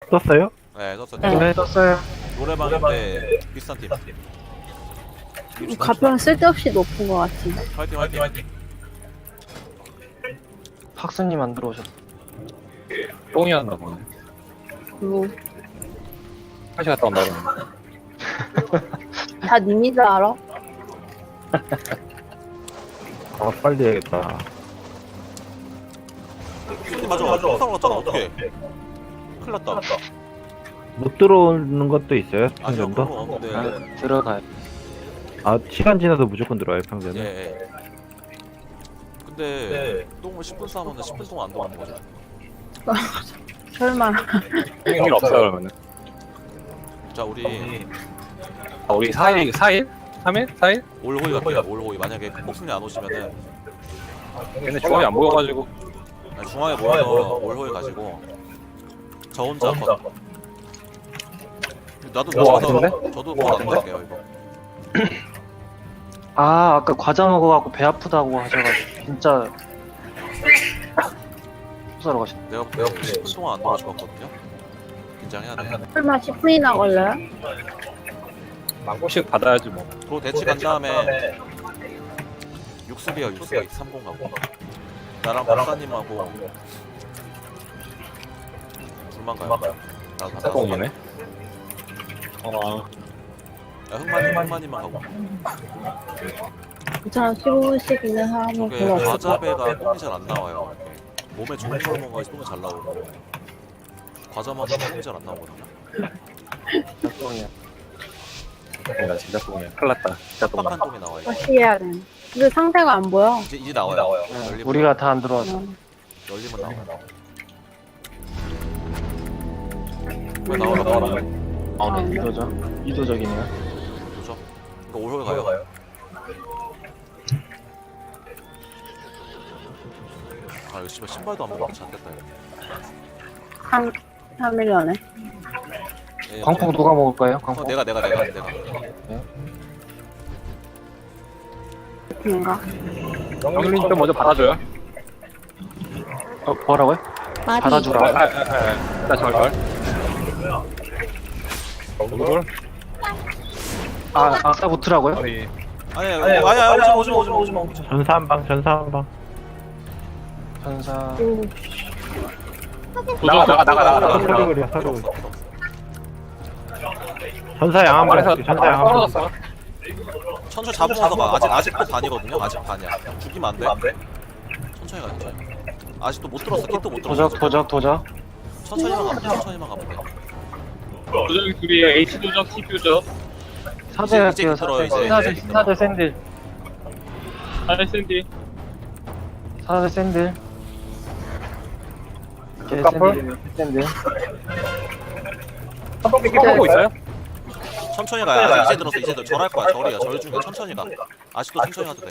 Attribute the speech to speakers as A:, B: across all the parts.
A: 떴어요?
B: 네, 떴어요.
C: 네.
A: 네, 떴어요.
B: 노래방인데 비슷한 팀.
C: 가평 쓸데없이 높은 것 같은데.
B: 화이팅, 화이팅.
D: 학수님 안 들어오셨어.
E: 똥이었나 보네.
C: 그리고
E: 화장실 갔다 온다 그러는데.
C: 다 님인 줄 알아?
A: 아, 빨리 해야겠다.
B: 맞아. 똥사로 갔잖아. 어떡해. 큰일 났다.
A: 못 들어오는 것도 있어요,
B: 아니요,
A: 평전도?
B: 그럼 없는데.
D: 아, 들어가요.
A: 아, 시간 지나도 무조건 들어와요,
B: 예,
A: 평전은.
B: 예. 근데 똥을 10분 싸면 10분 동안 안 들어가는 거죠.
C: 설마.
E: 일 없어 그러면은.
B: 자, 우리
E: 아, 우리 4일? 3일? 4일?
B: 올호이 갈게요. 올호이. 만약에 폭풍이 안 오시면은
E: 근데 중간에 안 보여가지고.
B: 중앙에 모여서 올호이 가지고 저 혼자 컷. 나도
E: 뭐
B: 가서
E: 같은데?
B: 저도 컷안 갈게요 이거.
D: 아, 아까 과자 먹어갖고 배 아프다고 하셔가지고 진짜 수사로 가셨네.
B: 내가 10분 동안 안 들어갈 것 같거든요. 긴장해야 돼.
C: 설마 10분이나 걸려요?
E: 망고씩 받아야지 뭐.
B: 그리고 대치 간 다음에 육수비야 육수비 30 가고 나랑 박사님하고 둘만 가요. 나도 다
E: 똥이네.
B: 야, 흑마님만 가고.
C: 괜찮아, 15분씩이면 하면
B: 저게
C: 별로 없을 것
B: 과자배가 똥이 잘 안 나와요. 몸에 좋은 걸 먹어야 똥이 잘 나오고 과자 먹으면 똥이 잘 안 나오거든요.
D: 똥이야.
E: 나 진짜 똥이야. 큰일 났다. 진짜 똥.
B: 빡빡한 똥이 나와요.
C: 다시 해야 돼. 근데 상태가 안 보여.
B: 이제 나와요. 열리면
D: 우리가 다 안 들어와서.
B: 열리면 나와요. 왜 나와라.
D: 아, 네, 이도적이네요.
B: 그죠? 이거 올홀 가요. 아 이거 씨발 신발도 안 먹고 잤겠다 이거.
C: 3일
B: 예,
D: 광폭 누가 먹을까요? 광폭?
B: 내가.
C: 인가
E: 영일님 좀 먼저 받아줘요.
D: 뭐라고요? 받아주라.
E: 나 절. 누굴?
D: 아, 아까 붙으라고요?
E: 우리
B: 아니야 오지마.
A: 전사 한 방, 전사 한 방.
D: 전사.
E: 나가.
A: 서류 그려, 서류 그려. 전사 양 한 방,
E: 말해서
A: 전사 양 한 방.
E: 떨어졌어.
B: 천천히 잡으면서 가. 아직도 반이거든요. 아직 반이야. 죽이면 안 돼. 천천히 가. 아직도 못 들었어. kit도 못 들었어.
D: 도적.
B: 천천히만 가면 돼.
E: 도적 둘이 H 도적, C 도적.
D: 사제
B: 이제
D: 할게요.
B: 들어요,
D: 사제.
B: 이제.
D: 사제 샌들.
E: 샌디.
D: 사제 샌들.
E: 카풀?
D: 샌들.
E: 하고 있어요?
B: 천천히 가야. 아직 이제 들었어. 이제 절할 거야. 절이야. 절 중에 천천히 가. 아직도 천천히 가도 돼.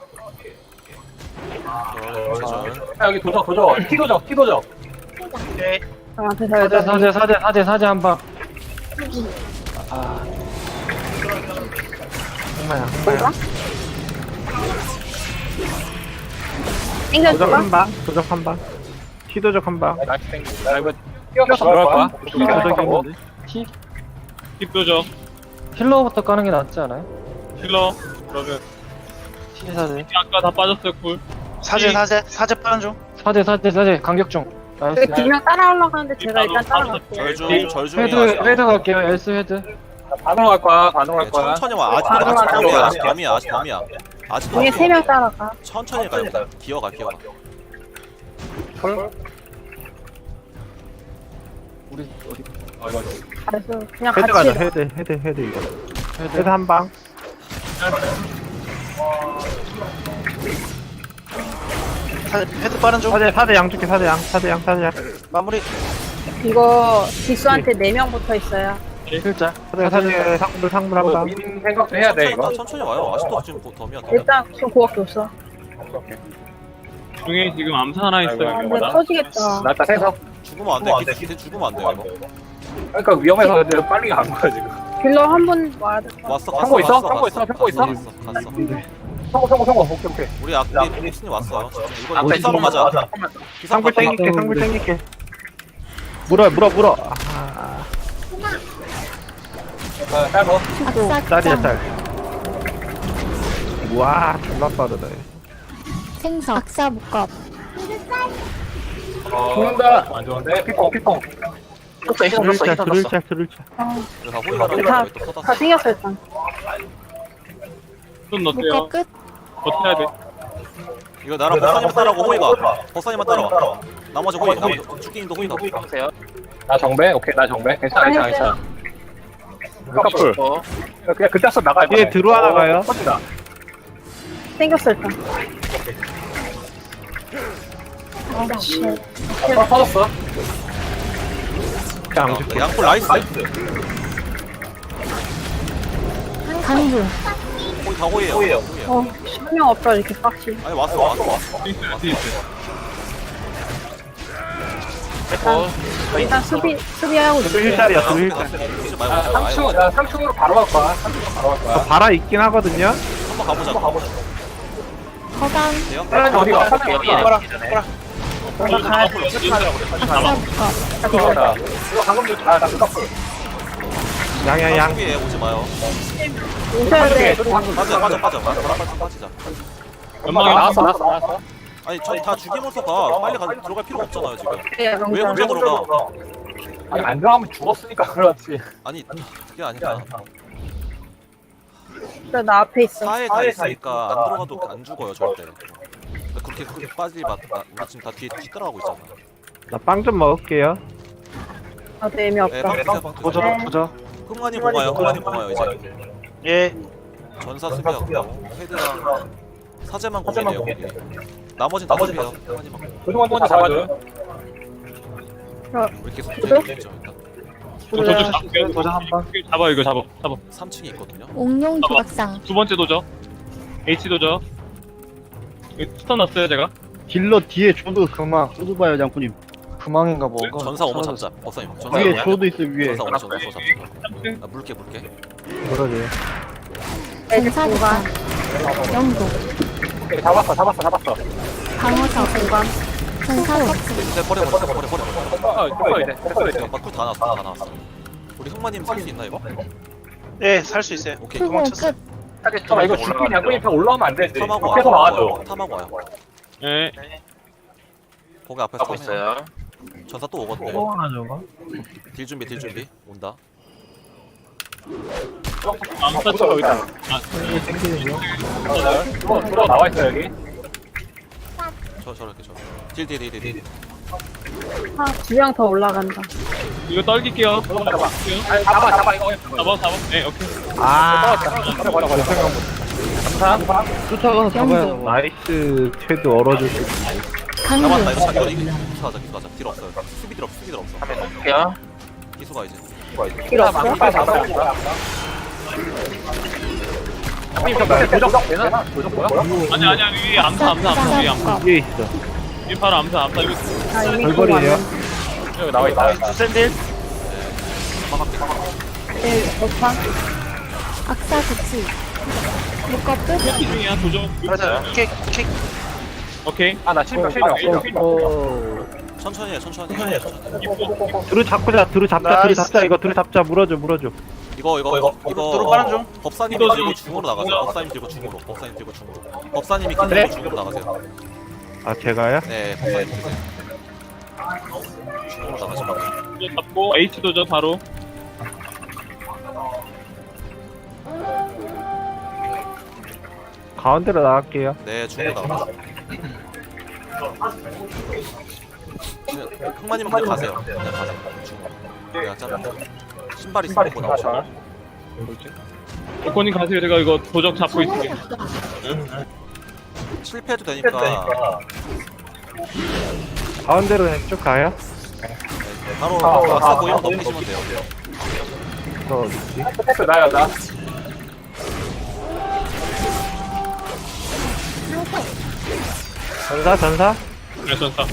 B: 절.
E: 여기 도적. T 도적.
C: 저한테 살려줘.
D: 사제 한 방. 아,
A: 흑마야.
C: 뭐가?
A: 도적
C: 땡겨줄까?
A: 한 방, 도적 한 방. 시도적 한 방.
E: 나 이거 뛰어서 들어갈 거야.
A: 도적이 있는데.
E: T 도적.
D: 힐러부터 까는 게 낫지 않아요?
E: 힐러. 그러면
D: 시사제.
E: 아까 다 빠졌어요 쿨.
F: 사제 빠른 중.
D: 사제 강격 중. 나이스.
C: 2명 따라 올라가는데 제가 일단 따라갈게요.
B: 절 중이야.
D: 헤드 갈게요. 엘스 헤드.
E: 반응할 거야.
B: 천천히 와. 아직 범이야. 아직도
C: 중에 3명 따라가.
B: 천천히 가요. 기어가.
D: 우리 어디?
C: 그래서 그냥
A: 헤드 가자,
C: 같이
A: 헤드 이거. 헤드 한 방.
F: 헤드 빠른 중.
A: 사대 양 줄게, 사대 양.
F: 마무리.
C: 이거 기수한테 4명 붙어 있어요.
D: 필자.
A: 사대 상물 한 방.
E: 민 생각도 해야 돼 이거.
B: 천천히 와요. 아직도 지금 덤이야.
C: 일단 저 그거밖에 없어.
E: 중에 지금 암사 하나 있어요.
C: 아, 근데 터지겠다.
E: 나 일단 생석.
B: 죽으면 안 돼. 기대 죽으면 안 돼. 이거.
E: 그러니까 위험해서 내가 빨리 간 거야 지금.
C: 딜러 한 분 와야 될 것 같아.
B: 왔어.
E: 평고 있어?
B: 갔어.
E: 평고 있어? 평고 있어?
B: 갔어.
E: 성공. 오케이.
B: 우리 보스님 왔어. 이거
E: 앞에
B: 기사로 가자. 기사
A: 상불
B: 가자.
A: 땡길게. 물어. 아,
E: 짧어.
C: 악사
A: 짤이야
C: 극장
A: 짤. 우와 존나 빠르다. 얘.
C: 생석 악사 목겁
E: 죽는다. 안 좋은데? 피퐁.
F: 떴어 희선 떴어 희선 떴어
A: 들을자 들을자.
B: 그래서 호이가라고
C: 다,
B: 왜또
C: 다
B: 쏟았어?
C: 생겼어 일단
G: 좀 넣을게요.
C: 목겁 끝
G: 버텨야 돼.
B: 이거 나랑 법사님만 따라고 호이가. 법사님만 따라와. 나머지 호이. 나머지 죽기님도 호이가.
F: 보세요
E: 나 정배? 오케이, 나 정배. 괜찮아. 커플. 그냥 그때 써 나가.
A: 뒤에 들어와 나가요.
E: 터진다.
C: 생겼어 일단
E: 터졌어.
A: 그냥 죽.
B: 양풀 나이스.
C: 강중
B: 호이 다 호이에요.
C: 어 신명 없다 이렇게 빡치
B: 아니 왔어.
F: 됐고
C: 일단 수비하고 있어
A: 들을짤이야 들을짤.
B: 이제
E: 아,
B: 말고
E: 3층, 나 3층으로 바로 갈 거야. 3층으로 바로 갈 거야.
A: 바라 있긴 하거든요.
B: 한번 가보자.
C: 허강
B: 돼요?
E: 사람이 어디가? 사람이
F: 여기에
E: 어디가?
C: 악사 목겁
E: 이거 방금 전 나 커플.
A: 양양.
B: 수비에 오지 마요.
C: 오셔야 돼
B: 빠져.
G: 연막이
E: 나왔어.
B: 아니 저 다 죽이면서 가. 빨리 들어갈 필요가 없잖아요 지금.
C: 네,
B: 왜 혼자 들어가?
E: 아니, 안 들어가면 죽었으니까 그렇지.
B: 아니 그게 아니라
C: 나 앞에 있어
B: 사에 다 있으니까 안 들어가도 안 죽어요 절대. 그렇게 빠질 우리 지금 다 뒤에 따라가고 있잖아.
A: 나 빵 좀 먹을게요.
C: 나도 애미
B: 네,
C: 없다
B: 빵
D: 도저
C: 네.
D: 도저.
B: 흥만이 보가요 이제.
F: 예
B: 전사 수비하고 헤드랑 사제만 고민해요 거기. 나머진 다 수비해요. 흥만이만.
E: 조종 한번 잡아줘요.
B: 우리 계속
C: 도저?
B: 있죠 일단.
G: 도저 잡을게요.
D: 도저 한 번.
G: 잡아 이거 잡아.
B: 3층에 있거든요.
C: 옥룡 조각상
G: 두 번째 도저. H 도저. 이거 스턴 났어요 제가.
A: 딜러 뒤에 조도 그만. 조도 봐요 장군님.
D: 구망인가 뭔가.
B: 전사 오면
D: 사라졌어.
B: 잡자. 법사님. 전사
A: 위에
B: 오면.
A: 조도 있어 위에.
B: 전사 오면 전사 잡자. 아 물게.
A: 그러지.
C: 전사 공간 영도
E: 오케이, 잡았어.
C: 방어사 공간 전사 껍질
B: 이제 버려.
E: 됐어, 이제.
B: 막쿨 다 나왔어. 우리 흥마님 살 수 있나 이거?
F: 예, 살 수 있어요
B: 오케이.
C: 수공
F: 도망쳤어.
C: 끝
E: 잠깐만, 이거 죽긴 양꾼이 다 올라오면 안 되지.
B: 탐하고
E: 계속 막아줘.
B: 와요. 탐하고 와요.
G: 예.
B: 거기 앞에서
F: 하고
B: 탐해요.
F: 있어요
B: 전사 또 오거든요.
A: 하나 저거.
B: 딜 준비 온다.
G: 암사 쳐 여기다.
E: 들어 나와 있어, 여기.
B: 저렇게. 딜.
C: 두 명 더 올라간다
G: 이거 떨길게요.
E: 아니, 잡아, 이거.
G: 잡아. 네 오케이.
A: 아.
E: 버려. 감사.
A: 쫓아가서 잡아요. 나이스. 최드 얼어줄 수 있어.
C: 강중
B: 잡았다. 이거 이거 기수하자. 딜 없어요. 수비 딜 없어.
F: 할게요
B: 기수가 이제.
C: 길 없어?
E: 형님, 저 밑에 도적 되나? 도적 뭐야?
G: 아니 위에 암사 위에 암사.
A: 위에 있어.
G: 위 바로 암사 이거.
C: 아 이미
A: 벌벌이에요.
E: 여기 나와 있다.
F: 두센딜
B: 막할게.
C: 오파 악사 구치 목겁 끝
G: 이 중이야 도저.
F: 맞아요 킥
G: 오케이.
E: 아, 나 실명.
B: 천천히 해.
G: 이쁘.
A: 들을 잡자. 이거 들을 잡자. 물어줘.
B: 이거
F: 도로 빠른 중
B: 법사님이 들고 중으로 나가세요. 법사님 들고 중으로. 법사님이 kin 들고 중으로 나가세요.
A: 아 제가요?
B: 네, 법사님 들세요. 중으로 나가시면
G: 도저 잡고 H 도저 바로.
A: 가운데로 나갈게요.
B: 네, 중으로 나가세요. 흥마님 그냥 가세요. 중으로. 그냥 짠. 신발 있으면 뭐 나오죠.
G: 오코님 가세요. 제가 이거 도적 잡고 있을게.
B: 실패해도 되니까
A: 가운데로 그냥 쭉 가요.
B: 바로 막사 보이면 넘기시면 돼요.
A: 저 어딨지?
E: 패스 나야, 나.
A: 전사.
G: 네 전사.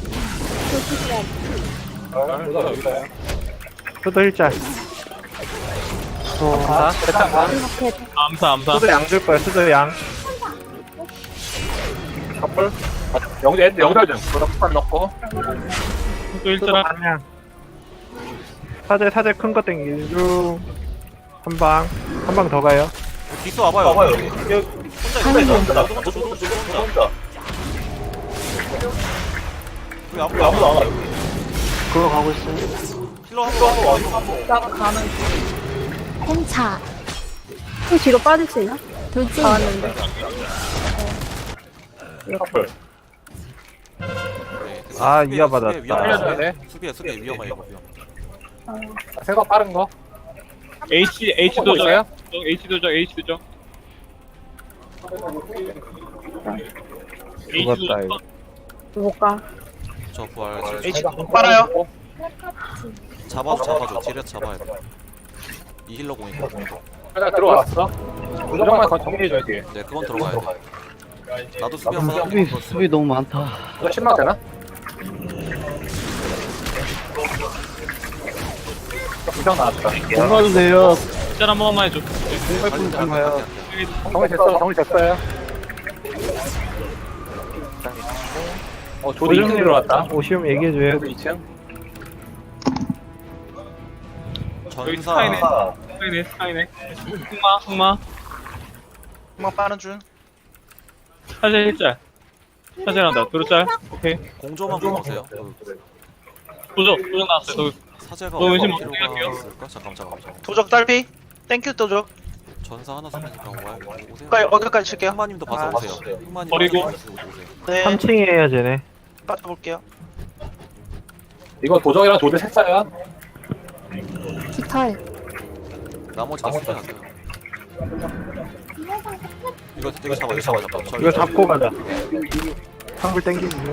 A: 수도 일자.
G: 암사.
A: 수도 양 줄 거야. 수도 양.
E: 커플. 영달 좀. 도적 넣고.
G: 또 일자랑.
A: 반양. 사제 큰 거 땡기는 중. 한 방 더 가요.
B: 기수 와봐요. 혼자 있어. 혼자. 왜 아무도 안 와?
D: 그거 가고 있어요.
B: 힐러 한 번.
C: 나가 가는
H: 펜차,
C: 좀 뒤로 빠질 수 있나?
H: 돌진,
C: 나왔는데.
E: 커플.
A: 아, 이어받았다.
E: 살려줘야 돼.
B: 수비야 위험해 이거.
E: 생각 빠른 거.
G: H
E: 보고
G: 도적.
E: 있어요?
G: H 도적. H 도적.
A: 죽었다, 이거.
C: 못 가.
B: 저 부활.
F: H 빨아요.
B: 잡아줘. 딜에서 잡아야 돼. 이 힐러 공이고.
E: 하나 들어왔어. 무조건 정리해줘야 돼.
B: 네, 그건 들어가야 돼. 나도 수비였어.
D: 수비 너무 많다.
E: 이거 10만 되나? 부상 나왔다.
D: 공가도 돼요.
G: 짤 한 번만 해줘.
E: 정리 됐어. 정리 됐어요. 조디 2층 들어왔다.
A: 오시면 얘기해줘요.
E: 조디 2층.
G: 여기
B: 전사.
G: 스카이네. 흑마.
F: 한번 빠는 중.
G: 사제 1짤. 사제란다. 도로짤. 오케이.
B: 공조만 보세요.
G: 도적 나왔어요.
B: 사제가
G: 너 의심
B: 어떤
G: 어떻게
B: 필요가
G: 할게요?
B: 있을까? 잠깐만.
F: 도적 딸피. 땡큐 도적.
B: 전사 하나 쓰니까 오세요.
F: 어디까지 칠게요?
B: 흑마님도 봐서
F: 아,
B: 오세요. 흑마님
G: 버리고.
B: 오세요.
F: 네.
A: 3층이에요, 쟤네.
F: 빠져볼게요.
E: 이거 도정이랑 조디 셋사야.
H: 깃털,
B: 나머지 다 수비 가세요. 이거 잡아.
A: 이거 잡고 가자. 한글 땡기고.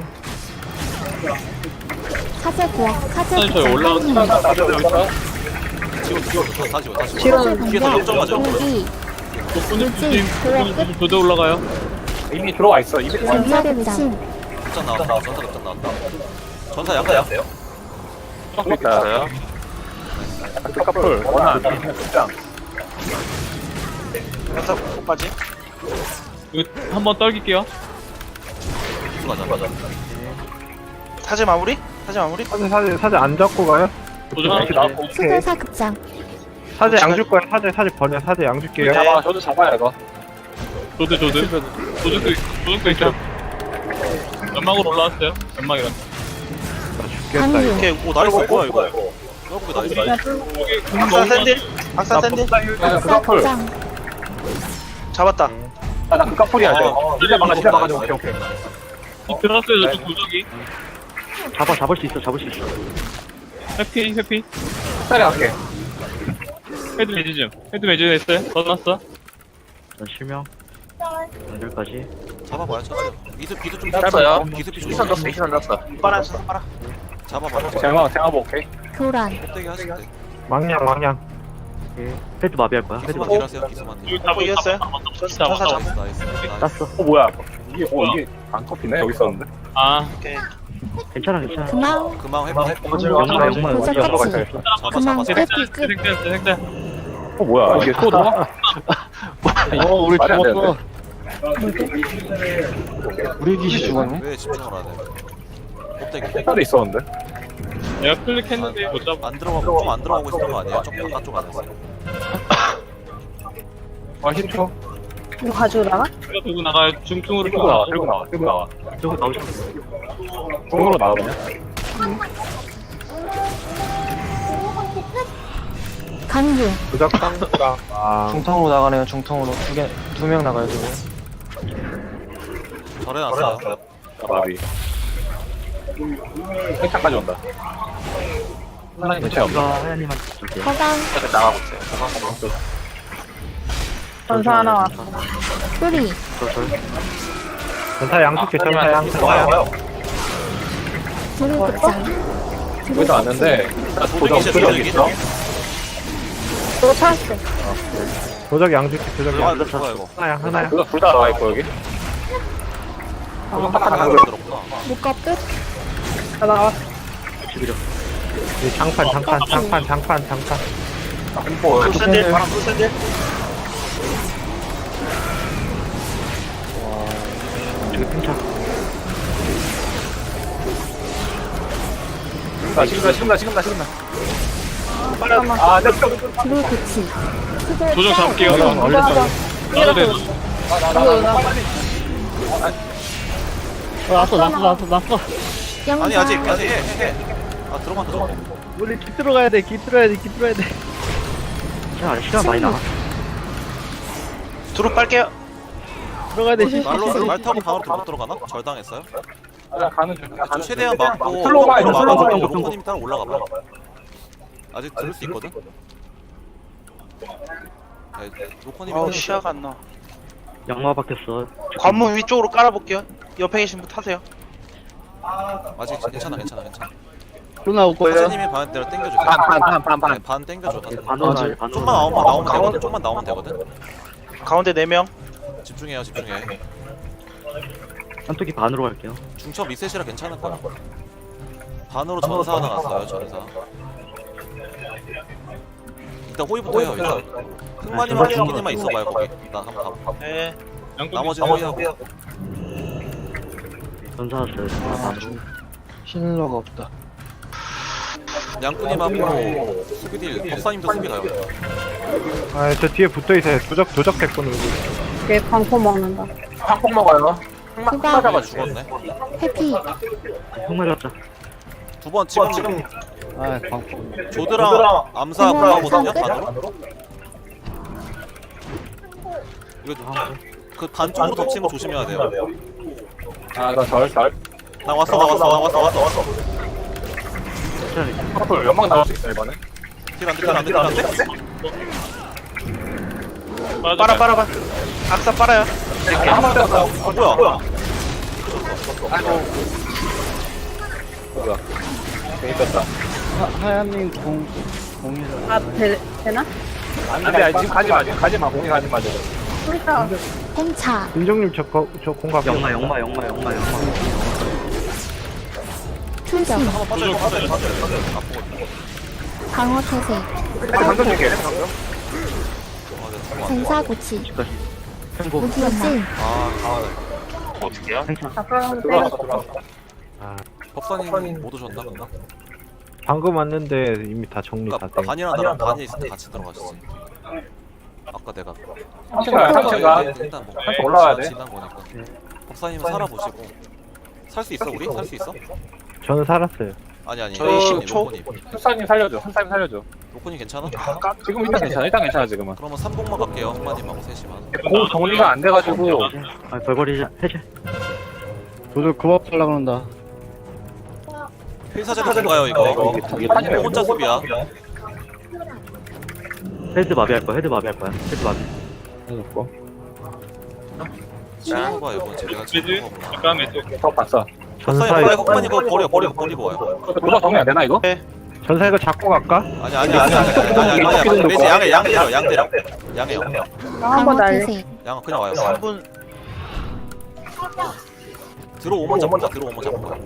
H: 사제 부엌, 사제
G: 사제 저기 올라가.
H: 부장,
E: 나도 여기 있어.
B: 지금 다시.
H: 사제
B: 뒤에서
H: 공격,
B: 역전하죠.
H: 공기,
G: 도적 올라가요.
E: 이미 들어와 있어. 이미 들어와 있어.
H: 전사 배신,
B: 급전 나왔다. 전사 급전 나왔다. 전사 약간
E: 있어요. 커플 원한 극장.
F: 연사 못까지.
G: 이거 한번 떨길게요.
B: 기수 가자.
F: 사제 마무리?
A: 사제 안 잡고 가요?
G: 도적
E: 이렇게 나왔고.
H: 수도사 급장,
A: 사제 양 줄 거야. 사제 버려. 사제 양 줄게요.
E: 잡아. 저도 잡아야 이거.
G: 도적도 있어요. 연막으로 올라왔어요. 연막이랑.
A: 죽겠다, 이거.
H: 강류,
B: 오케이. 오 나이스. 뭐야 이거. 결국에 나이스.
F: 박사 샌들. 박사 샌들.
H: 박사
E: 극커플.
H: 급장,
F: 잡았다.
E: 나 극커플이야 이거. 이제 막아줘. 오케이.
G: 들어갔어요. 저쪽 도적이.
D: 잡을 수 있어.
G: 회피.
E: 햇살이 할게.
G: 헤드 매즈 했어요. 넣어놨어.
D: 실명. 연결까지.
B: 잡아봐요. 비드 좀
E: 짧아요.
B: 기습이 좀
E: 이선 넣었어.
F: 빨아.
B: 잡아봐요.
E: 제가 오케이.
H: 교란,
B: 껍데기 하실 때.
A: 망냥.
D: 헤드 마비할 거야.
B: 기수만 딜하세요. 기수만 딜.
G: 여기 잡아.
F: 이겼어요? 전사
G: 잡아.
F: 잡아.
B: 나이스.
D: 땄어.
E: 뭐야? 이게 안 커피네 여기 있었는데.
G: 아,
F: 오케이.
D: 괜찮아.
H: 금왕,
B: 금방 해봐.
D: 연마.
H: 도적 터치,
B: 잡아.
H: 끝, 끝,
G: 색깔.
E: 뭐야? 이게 또 나와?
D: 우리
E: 말이 안
D: 죽었어. 우리 기시 죽었네.
B: 왜 집중을 안 해? 껍데기.
E: 햇살이 있었는데.
G: 내가 클릭했는데 못 잡아.
B: 안 들어가고 있었던 거 아니에요? 좀 바깥쪽 안에서.
E: 아 10초.
C: 이거 가지고 나가?
G: 이거 들고 나가요. 중통으로
E: 들고 나와.
D: 저거 나오셨어.
E: 중으로 나와 그냥.
H: 강류,
A: 부적상수랑.
D: 중통으로 나가네요. 중통으로 두 명 나가요. 지금.
B: 절에 났어요.
E: 마비. 행차까지 온다. 하나님 대체 없나?
D: 이거 하나님한테 줄게요.
H: 허강,
E: 나가고 있어요.
C: 전사 하나 왔어.
H: 뿌리,
A: 전사 양 줄게. 전사 양.
H: 두루 급장,
E: 여기도 왔는데 도적 있어?
C: 또 찾았어.
A: 도적 양 줄게. 도적
B: 아,
A: 양.
B: 이거 좋아 이거.
A: 하나야.
E: 그거 둘 다 나와 있고 여기.
B: 하나 들었구나.
H: 묶어 끝,
C: 나 나왔어.
A: 장판.
E: 햄포.
F: 샌들. 바람 샌들.
D: 이거 팽차.
E: 지금다.
C: 잠깐만.
E: 아, 내 쪽.
H: 불 고치.
G: 조정 잡을게요.
C: 올라가.
G: 나도 돼.
A: 났어.
H: 영상.
B: 아니 아직 해. 아 들어간다.
A: 우리 기 들어가야 돼. 기 들어야 돼.
D: 야, 시간 많이 남아.
F: 두루 빨게요.
A: 들어가야 돼.
B: 말 타고 방으로 못 들어가나? 절당했어요?
E: 아, 가는 중.
B: 좀 최대한 막고
E: 슬로우
B: 옆으로
E: 슬로우
B: 막아주고
E: 슬로우
B: 로코님 따라 올라가 봐. 아직 들을 수 있거든. 네, 로코님
F: 어우 시야가 안 나와.
D: 양마 박혔어.
F: 관문 위쪽으로 깔아볼게요. 옆에 계신 분 타세요.
B: 아직 괜찮아.
A: 또 나올 거예요.
B: 사장님이 반 대로 당겨줘.
E: 반.
B: 반 당겨줘.
D: 반원
B: 좀만 나오면 되거든. 좀만 나오면 되거든.
F: 가운데 4명.
B: 집중해.
D: 한쪽이 반으로 갈게요.
B: 중첩 리셋이라 괜찮을 거야. 반으로 전사 하나 났어요. 전사. 일단 호위부터 해요. 일단 흑마님하고 죽기님만 있어봐요 거기. 나 한번 가볼게.
F: 네.
B: 나머지는 호위하고.
D: 전사 왔어요. 전사 반으로.
A: 힐러가 없다.
B: 양꾼님하고 수비딜 법사님도 수비 가요.
A: 아, 저 뒤에 붙어 있어요. 도적 됐군.
C: 얘 광포 먹는다.
E: 한국 먹어요.
H: 디바.
B: 죽었네.
H: 해피.
D: 형 맞았다.
B: 두 번 지금
A: 아, 광포.
B: 조드랑 암사 가거든요.
H: 끝.
B: 반으로. 이거 그 반쪽으로 덮치는 거 조심해야 돼요.
E: 아, 이거 절.
B: 나 왔어.
E: 커플 연막 나올 수 있어, 이번에.
B: 딜안 돼.
F: 빨아. 악사 빨아요.
E: 한번 떴어.
B: 뭐야?
E: 괜히 떴다.
A: 하얀님 공이라.
C: 아, 되나?
E: 안 돼, 지금 가지 마. 공이 가지 마, 지금.
C: 그러니까.
H: 홍차.
A: 민정님 저 공각.
D: 영마.
H: 출정. 방어 태세.
E: 방금 줄게.
H: 전사 고치.
D: 집까지. 행복.
H: 무기연마.
C: 잠깐
E: 들어왔어.
B: 법사님 못 오셨나 근데?
A: 방금 왔는데 이미 다 정리 다
B: 그러니까
A: 돼.
B: 반이랑 나랑 반이 있을 때 같이 들어가셨지. 아까 내가
E: 3층가.
B: 일단 뭐
E: 한층 올라와야 돼.
B: 지난 거니까. 법사님은 살아보시고 살 수 있어 우리? 살 수 있어?
A: 저는 살았어요.
B: 아니
F: 저희
B: 로코님,
F: 10초.
B: 로코님.
E: 숫사님 살려줘. 로코님
B: 괜찮아?
E: 지금 일단 괜찮아, 지금은.
B: 그러면 3봉만 갈게요. 흑마님하고 3시만.
E: 공 정리가 안 돼가지고.
D: 아, 벌거리 해제.
A: 도적 그만 하려고 그런다.
B: 필사제도 뭔가요 이거?
E: 판이네.
B: 혼자 수비야.
D: 헤드 마비할 거야. 헤드 마비.
A: 해놓고.
B: 치는 거 봐요 이번 주 내가
G: 매즈.
B: 치는 거구나.
G: 잠깐 매즈.
E: 더 봤어.
B: 법사님
A: 전사
B: 빨리 흑만 이거 버리고 와요.
E: 도적 정리 안 되나, 이거?
A: 전사 이거 잡고 갈까?
B: 아니 매지 양해요.
C: 한번
H: 방어
C: 날려.
H: 태세.
B: 양 그냥 와요.
F: 3분.
B: 들어오면 잡자.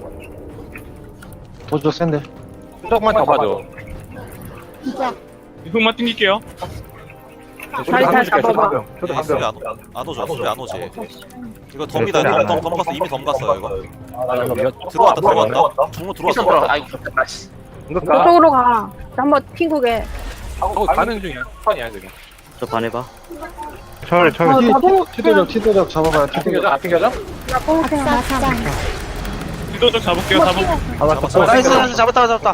A: 도적 센데.
E: 도적만 더 봐줘.
H: 이격.
G: 흑마 튕길게요.
C: 다리 잘 잡아봐.
B: 네, 수비 안 오죠. 수비 안 오지. 이거 덤이다. 덤 갔어. 이미 덤 갔어요 이거. 들어왔다. 종로 들어왔어.
E: 응급가.
C: 저쪽으로 가. 한번 핑구게.
E: 가는 중이야. 턴이야, 지금.
D: 저 반해봐.
A: 철.
C: 나도
A: 티도적 잡아봐요.
E: 안 튕겨져?
H: 악사장.
G: 뒤도적 잡을게요.
F: 나이스 잡았다.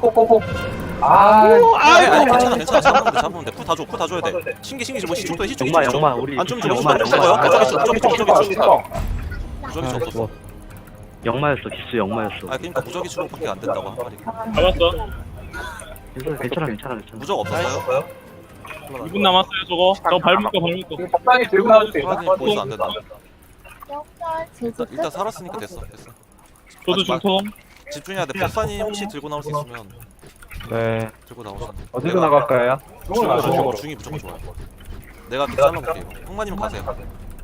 B: 잡으면 돼. 풀 다 줘야 돼. 신기 뭐 시축도 시축.
D: 영마. 우리.
B: 안좀 주고 무적이 없었어.
D: 영마였어. 기수 영마였어.
B: 아 그러니까 무적이 추로밖에 안 된다고 한 말이.
G: 잡았어.
D: 괜찮아.
B: 무적 없었어요?
G: 2분 남았어요 저거. 저거 밟을 거.
E: 법당이 들고 나올 수 있나?
B: 프라딘이 보이서 안 된다.
H: 제주
B: 일단
H: 끝.
B: 살았으니까 됐어.
G: 저도 중통.
B: 집중해야 돼. 법사님 혹시 들고 나올 수 있으면
A: 네.
B: 들고 나오셔.
A: 어디로 나갈까요?
E: 중으로.
B: 중이 무조건 좋아요. 내가 잘라볼게 이거. 흑마님 가세요.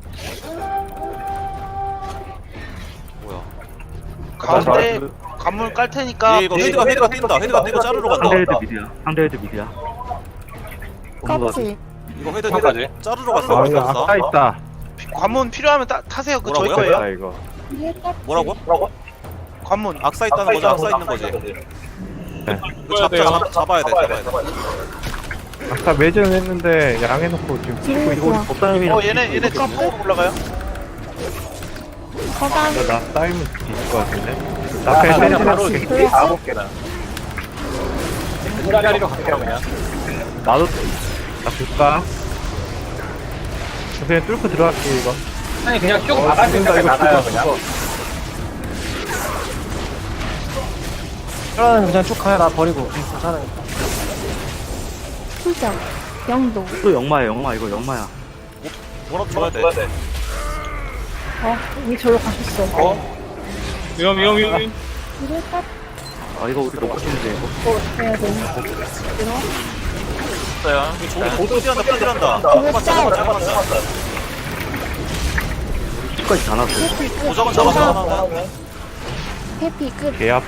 B: 뭐야?
F: 가운데 관문 깔 테니까.
B: 얘 이거 헤드가 뛴다. 헤드가 뛰고 자르러 간다.
D: 상대 헤드 미드야.
H: 껍질.
B: 이거 헤드
E: 여기까지.
B: 자르러 갔어.
A: 아, 이거 아까 있다.
F: 관문 필요하면 타세요. 그거 저희
B: 뭐라고요?
F: 거예요.
A: 이거.
B: 뭐라고?
F: 관문.
B: 악사 있다는 거지. 악사 있는 거지. 이거 잡아야 돼.
A: 아까 매진했는데 양해놓고 지금
H: 지금 좋아.
D: 법사님이랑
F: 얘네 뒤쪽으로 올라가요.
H: 거강.
A: 나 쌓이면 뒤질 것 같은데? 나
E: 나
A: 그냥
E: 그냥 바로
A: 땡기는
E: 이렇게 가볼게 나. 자리로 갈게요 그냥.
A: 나도 나 줄까? 그냥 뚫고 들어갈게 이거.
E: 아니 그냥 쭉 나갈 생각에 나가요 그냥.
D: 그러면 그냥 쭉 가요. 나 버리고. 괜찮아요.
H: 수정. 영도.
D: 또 영마야 영마 이거 영마야.
B: 뭐라도 줘야 돼.
C: 이미 저로 가셨어.
G: 위험.
H: 이를 딱
D: 아 이거 우리 놓고 치는데 이거.
C: 해야 돼.
B: 저기 도디한다 빠지란다.
H: 이를 짤.
D: 끝까지 다 났어.
B: 도적은 잡았어.
H: 해피 끝.
A: 개 앞.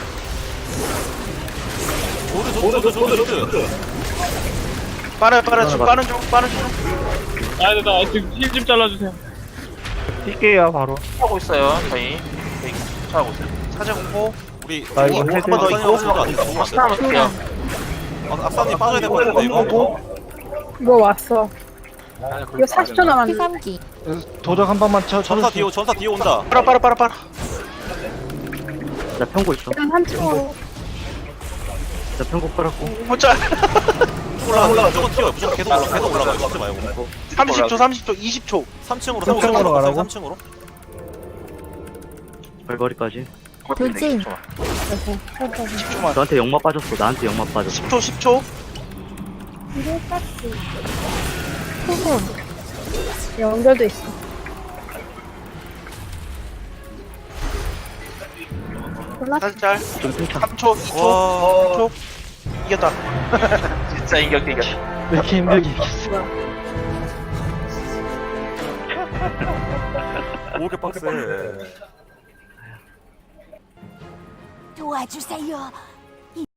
B: 조드.
F: 빨아요. 빠른 중.
G: 나 지금 힐 좀 잘라주세요.
A: 뛸게요 바로.
F: 하고 있어요. 저희 하고 있어요. 사제 공포.
B: 우리
A: 나 이거
B: 한번
A: 해제-
B: 더 있고
H: 소랑.
B: 악사님 빠져야 될 것 같은데 이거.
C: 이거 왔어. 이거 40초 남았는데.
H: 피삼기.
D: 도적 한 번만
B: 전사 뒤에 온다.
F: 빨아.
D: 나 평고 있어.
C: 일단 3층으로.
D: 나 평고 빨았고.
F: 못자.
B: 올라가. 무조건 튀어요. 무조건 계속 올라가. 죽지 말고.
F: 30초, 20초.
B: 3층으로
A: 3층으로 가라고?
B: 3층으로.
D: 발거리까지.
H: 돌진.
F: 10초만.
D: 너한테 영마 빠졌어. 나한테 영마 빠졌어.
F: 10초.
H: 이를 딱. 후손.
C: 연결도 있어.
H: 골라.
F: 사제 짤.
D: 좀 팽창.
F: 3초, 2초,
B: 와.
F: 1초. 이겼다. 진짜 이겼다.
D: 왜 이렇게 힘들게 이겼어.
B: 오 이렇게 빡세.
H: 도와주세요.